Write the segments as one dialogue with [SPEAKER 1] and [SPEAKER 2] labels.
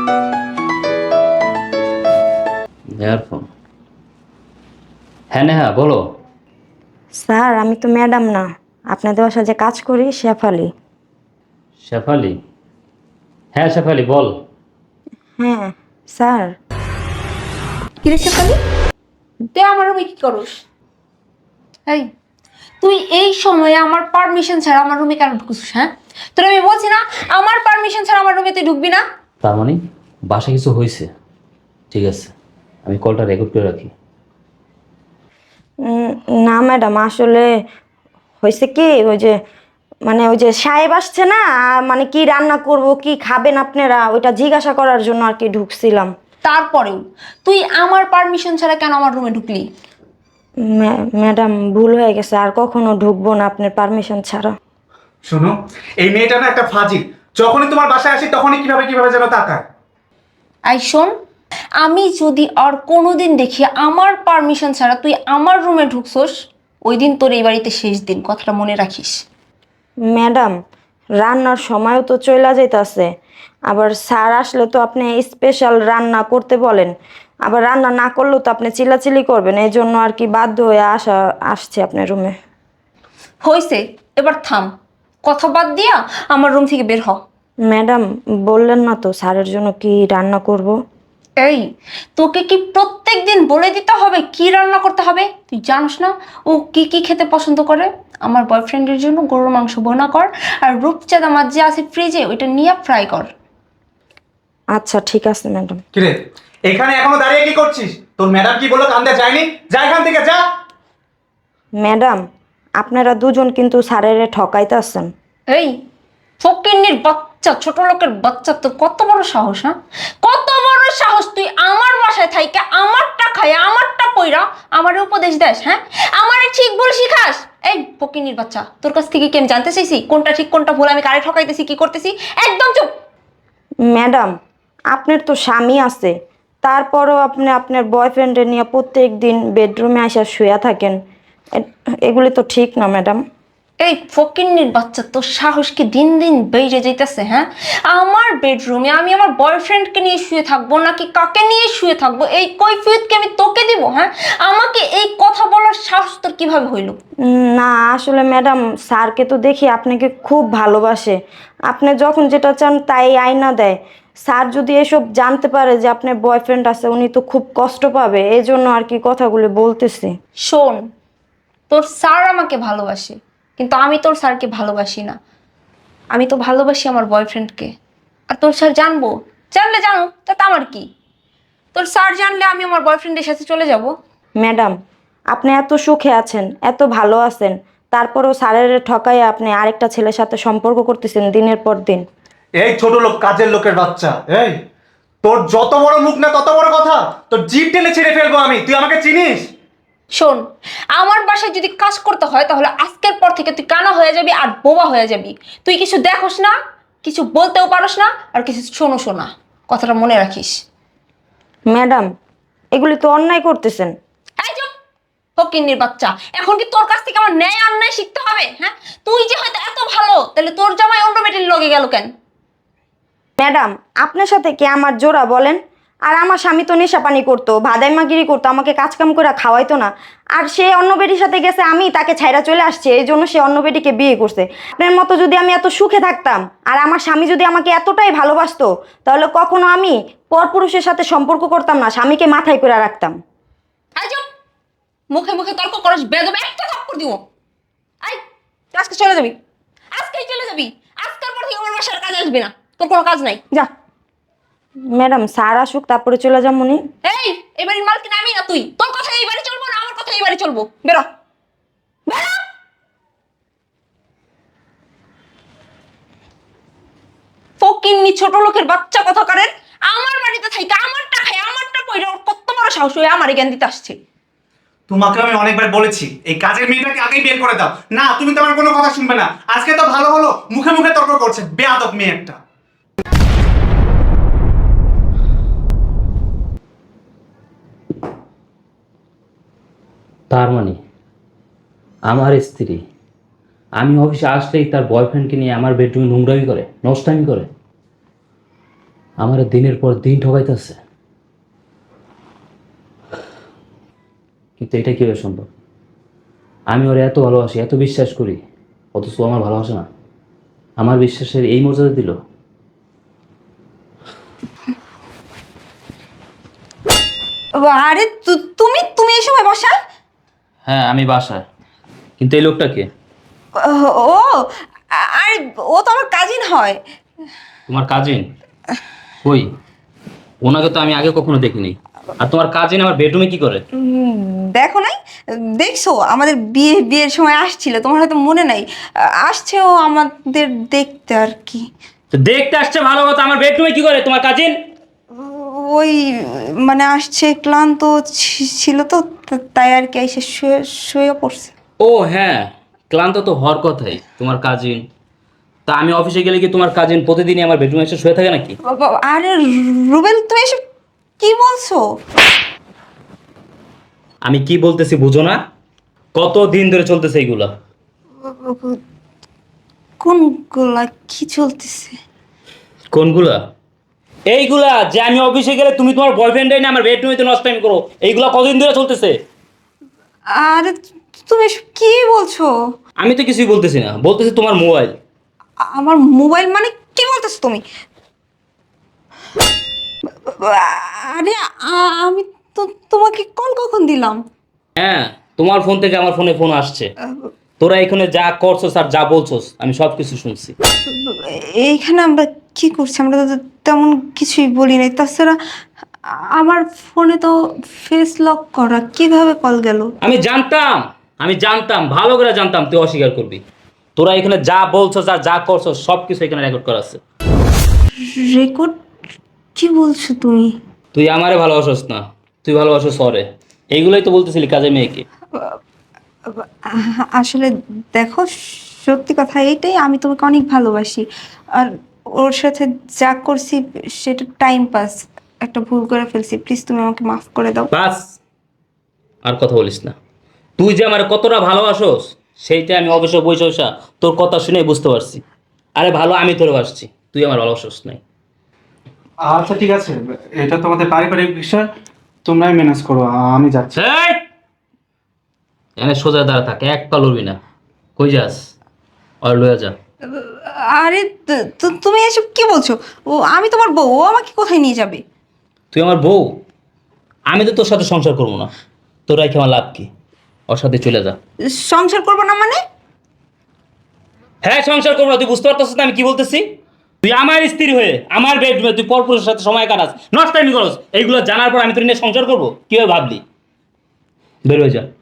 [SPEAKER 1] Earphone. হ্যাঁ নেহা বলো।
[SPEAKER 2] Sir আমি তো ম্যাডাম না, আপনাদের বাসায় যে কাজ করি শেফালি।
[SPEAKER 1] শেফালি? হ্যাঁ শেফালি বল।
[SPEAKER 2] হ্যাঁ স্যার।
[SPEAKER 3] কিরে শেফালি, তুই আমার রুমে কি করস? এই, তুই এই সময়ে আমার পারমিশন ছাড়া আমার রুমে কেন ঢুকছিস? হ্যাঁ, তোর আমি বলছি না আমার পারমিশন ছাড়া আমার রুমে তুই ঢুকবি না।
[SPEAKER 1] তার মানে বাসায় কিছু হয়েছে? ঠিক আছে, আমি কলটা রেকর্ড করে রাখি।
[SPEAKER 2] না ম্যাডাম, আসলে হয়েছে কি, ওই যে সাহেব আসছে না, মানে কি রান্না করব, কি খাবেন আপনারা, ওইটা জিজ্ঞাসা করার জন্য আর কি ঢুকছিলাম।
[SPEAKER 3] তারপরেও তুই আমার পারমিশন ছাড়া কেন আমার রুমে ঢুকলি?
[SPEAKER 2] ম্যাডাম ভুল হয়ে গেছে, আর কখনো ঢুকবো না আপনার পারমিশন ছাড়া।
[SPEAKER 4] শোনো, এই মেয়েটা না একটা ফাজিল। যখনই তোমার বাসায় আসি তখনই কিভাবে কিভাবে যেন তাকায়।
[SPEAKER 3] আই শোন, আমি যদি আর কোনোদিন দেখি আমার পারমিশন ছাড়া তুই আমার রুমে ঢুকছস, ওই দিন তোর এই বাড়িতে শেষ দিন, কথাটা মনে রাখিস।
[SPEAKER 2] ম্যাডাম রান্নার সময়ও তো চইলা যাইতাছে, আবার স্যার আসলে তো আপনি স্পেশাল রান্না করতে বলেন, আবার রান্না না করলেও তো আপনি চিল্লাচিল্লি করবেন, এই জন্য আর কি বাধ্য হয়ে আসছে আপনার রুমে।
[SPEAKER 3] হইছে, এবার থাম, কথা বাদ দিয়া আমার রুম থেকে বের হ।
[SPEAKER 2] ম্যাডাম বললেন না তো স্যারের জন্য কি রান্না করব।
[SPEAKER 3] এই, তোকে কি প্রত্যেক দিন বলে দিতে হবে কি রান্না করতে হবে? তুই জানিস না ও কি কি খেতে পছন্দ করে? আমার বয়ফ্রেন্ডের জন্য গরুর মাংস বোনা কর, আর রূপচাঁদা মাছ যে আছে ফ্রিজে ওইটা নিয়ে ফ্রাই কর।
[SPEAKER 2] আচ্ছা ঠিক আছে ম্যাডাম।
[SPEAKER 4] কিরে, এখানে এখনো দাঁড়িয়ে কি করছিস? তোর ম্যাডাম কি বললো কান্দে যায়নি? যা এখান থেকে যা।
[SPEAKER 2] ম্যাডাম আপনারা দুজন কিন্তু স্যারের ঠকাইতেছেন।
[SPEAKER 3] এই ফকিন্নির বাচ্চা, ছোট লোকের বাচ্চা, তোর কত বড় সাহস? হ্যাঁ, কত বড় সাহস তুই আমার বাসায় থাইকে আমারটা খায় আমারটা পইরা আমার উপদেশ দেস? হ্যাঁ, আমারে ঠিক ভুল শিখাস? এই ফকিন্নির বাচ্চা, তোর কাছ থেকে কি আমি জানতে চাইছি কোনটা ঠিক কোনটা ভুল, আমি কারে ঠকাইতেছি কি করতেছি? একদম চুপ।
[SPEAKER 2] ম্যাডাম আপনার তো স্বামী আছে, তারপরও আপনি আপনার বয়ফ্রেন্ডে নিয়ে প্রত্যেক দিন বেডরুমে আসা শুয়ে থাকেন, এগুলি তো ঠিক না ম্যাডাম।
[SPEAKER 3] এই ফকিন্নির বাচ্চা, তোর সাহস কি দিন দিন বেড়ে যাইতেছে? হ্যাঁ, আমার বেডরুমে আমি আমার বয়ফ্রেন্ডকে নিয়ে শুয়ে থাকবো নাকি কাকে নিয়ে শুয়ে থাকবো, এই কৈফিয়ত কি আমি তোকে দিব? হ্যাঁ, আমাকে এই কথা বলার সাহস তোর কিভাবে হইলো?
[SPEAKER 2] না আসলে ম্যাডাম, স্যারকে তো দেখি আপনাকে খুব ভালোবাসে, আপনি যখন যেটা চান তাই আইনা দেয়। স্যার যদি এসব জানতে পারে যে আপনার বয়ফ্রেন্ড আছে, উনি তো খুব কষ্ট পাবে, এই জন্য আর কি কথাগুলো বলতেছি।
[SPEAKER 3] শোন, তোর স্যার আমাকে ভালোবাসে, কিন্তু আমি তোর স্যারকে ভালোবাসি না। আমি তো ভালোবাসি আমার বয়ফ্রেন্ডকে। আর তোর স্যার জানবো, জানলে জানো, তাতে আমার কি? তোর স্যার জানলে আমি আমার বয়ফ্রেন্ডের সাথে চলে যাব।
[SPEAKER 2] ম্যাডাম আপনি এত সুখে আছেন, এত ভালো আছেন, তারপরেও স্যারের ঠকাইয়া আপনি আরেকটা ছেলের সাথে সম্পর্ক করতেছেন দিনের পর দিন।
[SPEAKER 4] এই ছোট লোক, কাজের লোকের বাচ্চা। এই, তোর যত বড় মুখ না তত বড় কথা। তোর জিভ টেনে ছেড়ে ফেলবো আমি। তুই আমাকে চিনিস?
[SPEAKER 3] শোন, আমার বাসায় যদি কাজ করতে হয় তাহলে আজকের পর থেকে তুই কানা হয়ে যাবি আর বোবা হয়ে যাবি। তুই কিছু দেখোস না, কিছু বলতেও পারোস না, আর কিছু শোনোস না, কথাটা মনে রাখিস।
[SPEAKER 2] ম্যাডাম এগুলি তো অন্যায় করতেছেন।
[SPEAKER 3] এই চুপ, ফকিন্নির বাচ্চা, এখন কি তোর কাছ থেকে আমার ন্যায় অন্যায় শিখতে হবে? হ্যাঁ, তুই যে হয়তো এত ভালো, তাহলে তোর জামাই অন্য মেয়েটির লগে গেল কেন?
[SPEAKER 2] ম্যাডাম আপনার সাথে কি আমার জোড়া বলেন? আর আমার স্বামী তো নেশাপানি করতো, ভাদাইমাগিরি করতো, আমাকে কাজকাম করে খাওয়াইতো না, আর সে অন্য বেটির সাথে গেছে, আমি তাকে ছাইরা চলে আসছে, এই জন্য সে অন্য বেটিকে বিয়ে করছে। আপনার মতো যদি আমি এত সুখে থাকতাম আর আমার স্বামী যদি আমাকে এতটাই ভালোবাসতো, তাহলে কখনো আমি পরপুরুষের সাথে সম্পর্ক করতাম না, স্বামীকে মাথায় করে রাখতাম।
[SPEAKER 3] এই চুপ, মুখে মুখে তর্ক করস, বেদবে একটা থাপ্পড় দিব। আই, তুই আজকে চলে যাবি, আজকেই চলে যাবি। আজকের পর থেকে আমার বাসার কাজ আসবি না, তোর কোনো কাজ নাই, যা।
[SPEAKER 2] ম্যাডাম স্যার আসুক তারপরে চলে যাবো নি।
[SPEAKER 3] এই, এবারের মালকিন আমি না তুই। তোর কথা এই বাড়ি চলবো না আমার কথা এই বাড়ি চলবো। বেরো, বেরো। ফকিন্নি ছোট লোকের বাচ্চা কথা করেন, আমার বাড়িতে থাইকা আমারটা খাই আমারটা পয়রা, ওর কত বড় সাহস হয়ে আমার জ্ঞান দিতে আসছে।
[SPEAKER 4] তোমাকে আমি অনেকবার বলেছি এই কাজের মেয়েটাকে আগেই বের করে দাও। না, তুমি তো আমার কোনো কথা শুনবে না। আজকে তো ভালো ভালো মুখে মুখে তর্ক করছে, বেয়াদব মেয়ে একটা।
[SPEAKER 1] তার মানে আমার স্ত্রী আমি অফিসে আসলেই তার বয়ফ্রেন্ডকে নিয়ে আমার বেডরুমে নোংরামি করে, নষ্টামি করে। আমার দিনের পর দিন ঠকাইতেছে, কিন্তু এটা কিভাবে সম্ভব? আমি ওরে এত ভালোবাসি, এত বিশ্বাস করি, অথচ ও আমার ভালোবাসে না, আমার বিশ্বাসের এই মর্যাদা দিল।
[SPEAKER 2] আরে তুমি তুমি এই সময় বসা?
[SPEAKER 1] হ্যাঁ আমি বাসায়, কিন্তু এই লোকটা কে?
[SPEAKER 2] ও আরে ও তো আমার কাজিন হয়।
[SPEAKER 1] তোমার কাজিন? কই, ওনাকে তো আমি আগে কখনো দেখিনি। আর তোমার কাজিন আমার বেডরুমে কি করে?
[SPEAKER 2] দেখো নাই? দেখছো আমাদের বিয়ের সময় আসছিল, তোমার হয়তো মনে নাই। আসছে ও আমাদের দেখতে আর কি।
[SPEAKER 1] তো দেখতে আসছে ভালো কথা, আমার বেডরুমে কি করে তোমার কাজিন?
[SPEAKER 2] ওই মানে আসছে, ক্লান্ত ছিল তো, তাই আর কি এসে শুয়ে পড়ছে।
[SPEAKER 1] ও হ্যাঁ, ক্লান্ত তো হওয়ার কথাই তোমার কাজিন। তা আমি অফিসে গেলে কি তোমার কাজিন প্রতিদিনই আমার বেডরুমে এসে শুয়ে থাকে নাকি?
[SPEAKER 2] আরে রুবেল, তুমি এসব কি বলছো?
[SPEAKER 1] আমি কি বলতেছি বুঝো না? কত দিন ধরে চলতেছে এইগুলা?
[SPEAKER 2] কোনগুলা কি চলতেছে?
[SPEAKER 1] কোনগুলা? এইগুলা যে আমি অফিসে গেলে তুমি তোমার বয়ফ্রেন্ডে না আমার বেডরুমে তো নষ্ট টাইম করো, এইগুলা কতদিন ধরে চলতেছে?
[SPEAKER 2] আরে তুমি এসব কি বলছো?
[SPEAKER 1] আমি তো কিছুই বলতেছি না, বলতেছি তোমার মোবাইল।
[SPEAKER 2] আমার মোবাইল মানে কি বলতেছো তুমি? আরে আমি তো তোমাকে কল কখন দিলাম?
[SPEAKER 1] হ্যাঁ, তোমার ফোন থেকে আমার ফোনে ফোন আসছে। তোরা এখানে যা করছস আর যা বলছস আমি সব কিছু শুনছি।
[SPEAKER 2] এইখানে আমরা কি করছি? আমরা তো তেমন কিছুই বলি নাই। তাছাড়া আমার ফোনে তো ফেস লক করা, কিভাবে কল গেল?
[SPEAKER 1] আমি জানতাম, ভালো করে জানতাম তুই অস্বীকার করবি। তোরা এখানে যা বলছস আর যা করছস সব কিছু এখানে রেকর্ড করা আছে।
[SPEAKER 2] রেকর্ড? কি বলছো তুমি?
[SPEAKER 1] তুই আমারে ভালোবাসস না, তুই ভালোবাসস ওরে। এইগুলোই তো বলতেছিলি কাজে মেয়েকে।
[SPEAKER 2] আসলে দেখো, সত্যি কথা এইটাই, আমি তোমাকে অনেক ভালোবাসি। আর ওর সাথে যা করছি সেটা টাইম পাস, একটা ভুল করে ফেলছি। প্লিজ তুমি আমাকে মাফ করে দাও।
[SPEAKER 1] বাস, আর কথা বলিস না। তুই যে আমার কতটা ভালোবাসস সেইটা আমি অবশ্য বসে তোর কথা শুনে বুঝতে পারছি। আরে ভালো আমি তোরে বাসছি, তুই আমার ভালোবাসস নাই।
[SPEAKER 4] আচ্ছা ঠিক আছে, এটা তোমাদের পারিবারিক বিষয়, তোমরাই ম্যানেজ করো, আমি যাচ্ছি।
[SPEAKER 1] এই! এখানে সোজা দাঁড়া থাক, এক পা লড়বি না। কই যাস? আর লইয়া যা।
[SPEAKER 2] আরে তুমি এসব কি বলছো? ও আমি তোমার বউ, ও আমাকে কোথায় নিয়ে যাবে?
[SPEAKER 1] তুই আমার বউ, আমি তো তোর সাথে সংসার করবো না। তোর রেখে আমার লাভ কি? ওর সাথে চলে যা।
[SPEAKER 2] সংসার করবো না মানে?
[SPEAKER 1] হ্যাঁ সংসার করবো না, তুই বুঝতে পারতেছিস না আমি কি বলতেছি? তুই আমার স্ত্রী হয়ে আমার বেডরুমে তুই পরপুরুষের সাথে সময় কাটাস, নষ্টামি করস, এইগুলো জানার পর আমি তোর নিয়ে সংসার করবো? কিভাবে ভাবলি? বের হয়ে যা।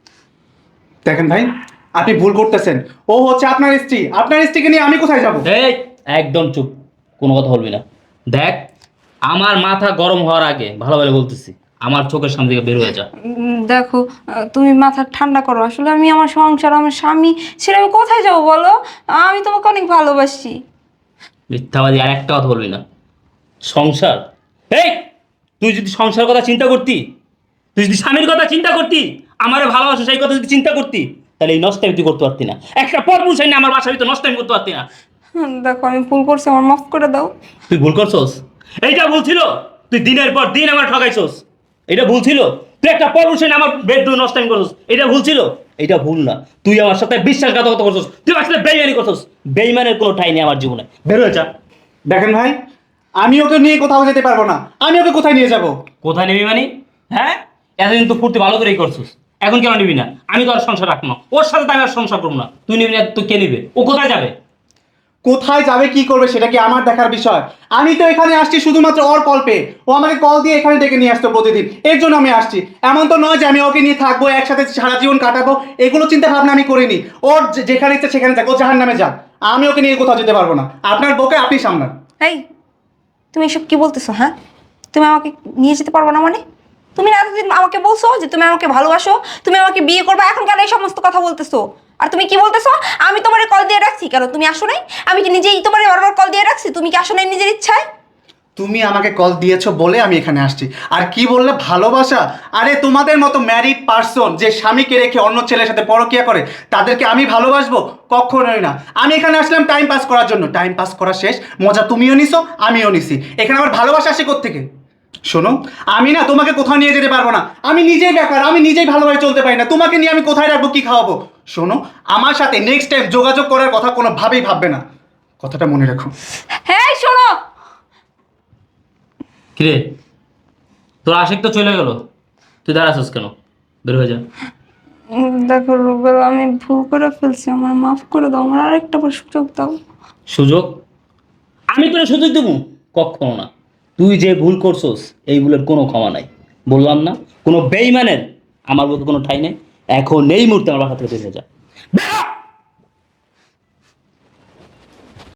[SPEAKER 4] দেখেন ভাই, আপনি ভুল করতেছেন। ও হচ্ছে আপনার স্ত্রী, আপনার স্ত্রীকে নিয়ে আমি কোথায় যাব?
[SPEAKER 1] এই একদম চুপ, কোনো কথা বলবি না। দেখ, আমার মাথা গরম হওয়ার আগে ভালো ভালো বলতেছি, আমার চোখের সামনে থেকে বের হয়ে যা।
[SPEAKER 2] দেখো, তুমি মাথা ঠান্ডা করো। আসলে আমি আমার সংসার, আমার স্বামী ছেড়ে আমি কোথায় যাবো বলো? আমি তোমাকে অনেক ভালোবাসি।
[SPEAKER 1] মিথ্যাবাদী, আর একটা কথা বলবি না। সংসার? এই, তুই যদি সংসার কথা চিন্তা করতি, তুই যদি স্বামীর কথা চিন্তা করতি, আমার ভালোবাসা সেই কথা যদি চিন্তা করতি, তাহলে এই নষ্টামি তুই করতে পারতি না। একটা পরপুরুষ আইনে আমার বাসার ভিতরে নষ্টামি করতে পারতি না।
[SPEAKER 2] দেখো, আমি ভুল করছি, আমার মাফ করে দাও।
[SPEAKER 1] তুই ভুল করছস? এইটা ভুল ছিল? তুই দিনের পর দিন আমার ঠকাইছস, এটা ভুল ছিল? তুই একটা পরপুরুষ আইনে আমার বেডরুম নষ্টামি করছস, এটা ভুল ছিল? এটা ভুল না। তুই আমার সাথে বিশ্বাসঘাতকতা করছস, তুই আসলে বেইমানি করছস। বেইমানের কোনো ঠাঁই নেই আমার জীবনে, বের হয়ে যা।
[SPEAKER 4] দেখেন ভাই, আমি ওকে নিয়ে কোথাও যেতে পারবো না। আমি ওকে কোথায় নিয়ে যাব?
[SPEAKER 1] কোথায় নিবি মানে? হ্যাঁ, এতদিন তো ফুর্তি ভালো করেই করছিস, এখন কেন নিবি না? আমি তো আর সংসার রাখবো না, ওর সাথে তো আমি আর সংসার করবো না। তুই নিবি না তুই কে নিবে? ও কোথায় যাবে?
[SPEAKER 4] কোথায় যাবে, কি করবে সেটা কি আমার দেখার বিষয়? আমি তো এখানে আসছি শুধুমাত্র ওর কল পেয়ে। ও আমাকে কল দিয়ে এখানে ডেকে নিয়ে আসতো প্রতিদিন, এর জন্য আমি আসছি। এমন তো নয় যে আমি ওকে নিয়ে থাকবো, একসাথে সারা জীবন কাটাবো, এগুলো চিন্তা ভাবনা আমি করিনি। ওর যেখানে ইচ্ছে সেখানে যাক, ও জাহান নামে যাক, আমি ওকে নিয়ে কোথাও যেতে পারবো না। আপনার বউকে আপনি সামলান।
[SPEAKER 2] এই, তুমি এসব কি বলতেছো? হ্যাঁ, তুমি আমাকে নিয়ে যেতে পারবো না মানে? তুমি না এতদিন আমাকে বলছো যে তুমি আমাকে ভালোবাসো, তুমি আমাকে বিয়ে করবে, এখন কেন এই সমস্ত কথা বলতেছো? আর তুমি কি বলতেছো? আমি তোমার কল দিয়ে রাখছি কেন? তুমি আসো নাই? আমি কি নিজেই তোমার বারবার কল দিয়ে রাখছি? তুমি কি আসো নাই নিজের ইচ্ছায়?
[SPEAKER 4] তুমি আমাকে কল দিয়েছো বলে আমি এখানে আসছি। আর কি বললে ভালোবাসা? আরে তোমাদের মতো ম্যারিড পার্সন যে স্বামীকে রেখে অন্য ছেলের সাথে পরকিয়া করে তাদেরকে আমি ভালোবাসবো? কখনোই না। আমি এখানে আসলাম টাইম পাস করার জন্য, টাইম পাস করা শেষ, মজা তুমিও নিছো আমিও নিছি, এখানে আমার ভালোবাসা আসে কোত্থেকে? শোনো, আমি না তোমাকে কোথাও নিয়ে যেতে পারবো না, আমি নিজেই বেকার, আমি নিজেই ভালোভাবে চলতে পারি না, তোমাকে নিয়ে আমি কোথায় রাখবো, কি খাওয়াবো? শোনো, আমার সাথে নেক্সট টাইম যোগাযোগ করার কথা কোনোভাবেই ভাববে না, কথাটা মনে রাখো।
[SPEAKER 3] হ্যাঁ শোনো,
[SPEAKER 1] কিরে তোর আশিক তো চলে গেল, তুই দাঁড়াছিস কেন? বের হয়ে যা।
[SPEAKER 3] দেখো রুবেল, আমি ভুল করে ফেলছি, আমার মাফ করে দাও, আমার আরেকটা বার সুযোগ দাও।
[SPEAKER 1] সুযোগ? আমি তোর সুযোগ দেবো? কখনো না। তুই যে ভুল করছস এই ভুলের কোনো ক্ষমা নাই। বললাম না, কোনো বেইমানের আমার বলতে কোনো ঠাই নেই। এখন এই মুহূর্তে আমার বাসা থেকে বের হয়ে যা।